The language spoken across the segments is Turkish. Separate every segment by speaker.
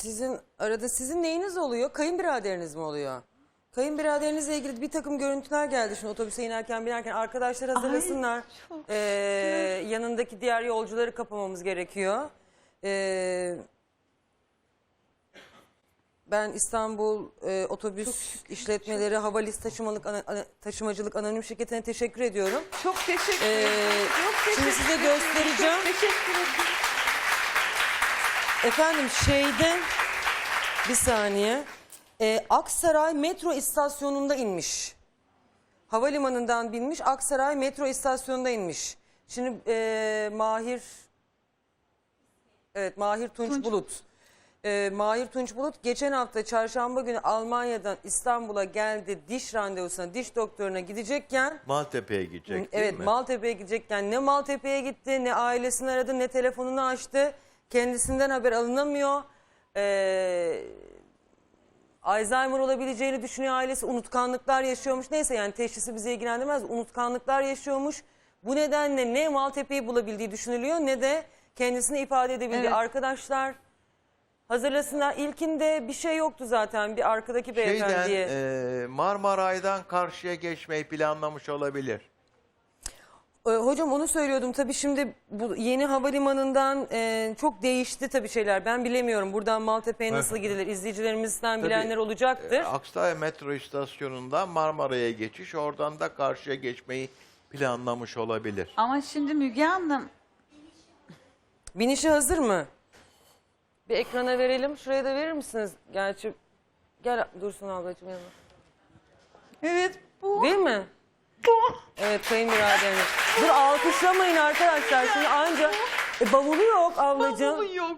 Speaker 1: Sizin neyiniz oluyor? Kayınbiraderiniz mi oluyor? Kayınbiraderinizle ilgili bir takım görüntüler geldi şimdi otobüse inerken binerken. Arkadaşlar hazırlasınlar.
Speaker 2: Ay, çok
Speaker 1: Yanındaki diğer yolcuları kapamamız gerekiyor. Ben İstanbul Otobüs İşletmeleri Havalis Taşımacılık Anonim Şirketi'ne teşekkür ediyorum.
Speaker 2: Çok teşekkür ederim.
Speaker 1: Şimdi size göstereceğim.
Speaker 2: Çok teşekkür ederim.
Speaker 1: Efendim bir saniye. Aksaray metro istasyonunda inmiş. Havalimanından binmiş, Aksaray metro istasyonunda inmiş. Şimdi Mahir Tunç Bulut. Mahir Tunç Bulut geçen hafta çarşamba günü Almanya'dan İstanbul'a geldi, diş randevusuna, diş doktoruna gidecekken.
Speaker 3: Maltepe'ye gidecek değil
Speaker 1: Evet,
Speaker 3: mi?
Speaker 1: Maltepe'ye gidecekken ne Maltepe'ye gitti, ne ailesini aradı, ne telefonunu açtı. Kendisinden haber alınamıyor. Alzheimer olabileceğini düşünüyor ailesi. Unutkanlıklar yaşıyormuş. Neyse yani teşhisi bizi ilgilendirmez. Unutkanlıklar yaşıyormuş. Bu nedenle ne Maltepe'yi bulabildiği düşünülüyor ne de kendisini ifade edebildiği.
Speaker 2: Evet.
Speaker 1: Arkadaşlar hazırlasınlar. İlkinde bir şey yoktu zaten bir arkadaki beyefendiye.
Speaker 3: Marmaray'dan karşıya geçmeyi planlamış olabilir.
Speaker 1: Hocam onu söylüyordum tabii şimdi bu yeni havalimanından çok değişti tabii şeyler. Ben bilemiyorum buradan Maltepe'ye nasıl gidilir izleyicilerimizden bilenler olacaktır.
Speaker 3: Aksaray metro istasyonundan Marmaray'a geçiş, oradan da karşıya geçmeyi planlamış olabilir.
Speaker 2: Ama şimdi Müge Hanım,
Speaker 1: Binişi hazır mı? Bir ekrana verelim. Şuraya da verir misiniz? Gerçi gel Dursun ablacığım yanına.
Speaker 2: evet bu.
Speaker 1: Değil mi? Evet kayınbiraderimiz. Dur alkışlamayın arkadaşlar. Şimdi anca bavulu yok ablacığım.
Speaker 2: Bavulu yok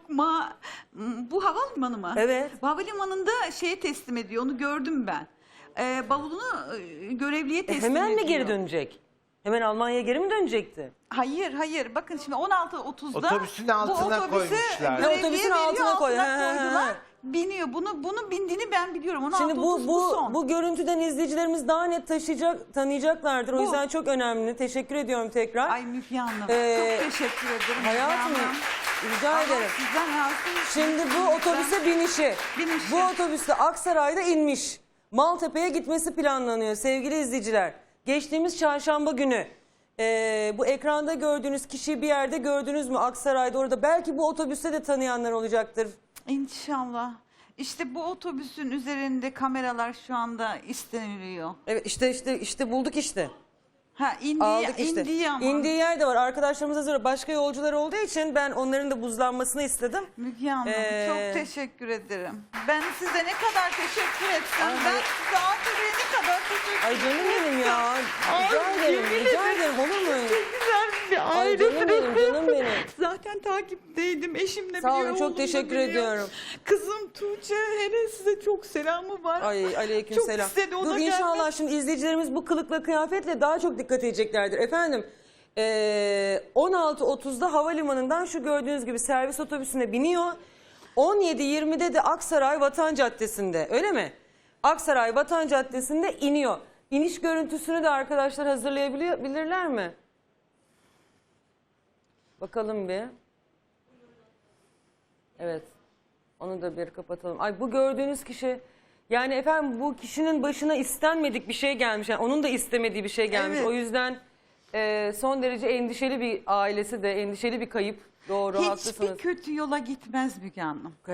Speaker 2: bu havalimanı mı?
Speaker 1: Evet.
Speaker 2: Bu havalimanında şeye teslim ediyor, onu gördüm ben. Bavulunu görevliye teslim ediyor.
Speaker 1: Hemen mi geri dönecek? Hemen Almanya'ya geri mi dönecekti?
Speaker 2: Hayır. Bakın şimdi 16.30'da
Speaker 3: Otobüsün altına koymuşlar.
Speaker 2: görevliye
Speaker 1: Otobüsün
Speaker 2: veriyor,
Speaker 1: altına koy.
Speaker 2: koydular. Biniyor. Bunu bindiğini ben biliyorum. 16.30
Speaker 1: Şimdi
Speaker 2: bu son.
Speaker 1: bu görüntüden izleyicilerimiz daha net tanıyacaklardır. O yüzden çok önemli. Teşekkür ediyorum tekrar.
Speaker 2: Ay Müge Hanım, çok teşekkür ederim.
Speaker 1: Hayatım
Speaker 2: Müge Hanım.
Speaker 1: rica
Speaker 2: Allah
Speaker 1: ederim.
Speaker 2: sizden razı olsun.
Speaker 1: Şimdi bu otobüse binişi. Bu otobüste Aksaray'da inmiş. Maltepe'ye gitmesi planlanıyor sevgili izleyiciler. Geçtiğimiz çarşamba günü bu ekranda gördüğünüz kişiyi bir yerde gördünüz mü Aksaray'da orada? Belki bu otobüste de tanıyanlar olacaktır.
Speaker 2: İnşallah. İşte bu otobüsün üzerinde kameralar şu anda isteniliyor.
Speaker 1: Evet işte bulduk işte.
Speaker 2: Ha
Speaker 1: Aldık işte.
Speaker 2: indiği ama.
Speaker 1: İndiği yer de var. Arkadaşlarımız hazır. Başka yolcular olduğu için ben onların da buzlanmasını istedim.
Speaker 2: Müge Hanım çok teşekkür ederim. Ben size ne kadar teşekkür etsem, ben size Antalya'ya ne kadar teşekkür
Speaker 1: Ay canım benim ya.
Speaker 2: yemin
Speaker 1: Rica ederim. Olur mu?
Speaker 2: güzel bir
Speaker 1: Ay canım benim.
Speaker 2: Zaten takipteydim eşimle.
Speaker 1: Sağ olun,
Speaker 2: biliyor,
Speaker 1: çok
Speaker 2: oğlum da
Speaker 1: teşekkür
Speaker 2: biliyor.
Speaker 1: ediyorum.
Speaker 2: Kızım Tuğçe hele size çok selamı var.
Speaker 1: Ay aleykümselam.
Speaker 2: Çok istedi o
Speaker 1: Dur
Speaker 2: da
Speaker 1: inşallah
Speaker 2: gelmek.
Speaker 1: şimdi izleyicilerimiz bu kılıkla kıyafetle daha çok dikkat edeceklerdir. Efendim 16.30'da havalimanından şu gördüğünüz gibi servis otobüsüne biniyor. 17.20'de de Aksaray Vatan Caddesi'nde öyle mi? Aksaray Vatan Caddesi'nde iniyor. İniş görüntüsünü de arkadaşlar hazırlayabilirler mi? Bakalım bir. Evet. Onu da bir kapatalım. Ay bu gördüğünüz kişi yani efendim bu kişinin başına istenmedik bir şey gelmiş. Yani onun da istemediği bir şey gelmiş.
Speaker 2: Evet.
Speaker 1: O yüzden son derece endişeli bir ailesi de endişeli bir kayıp. Doğru haklısınız.
Speaker 2: Hiçbir kötü yola gitmez Müge Hanım.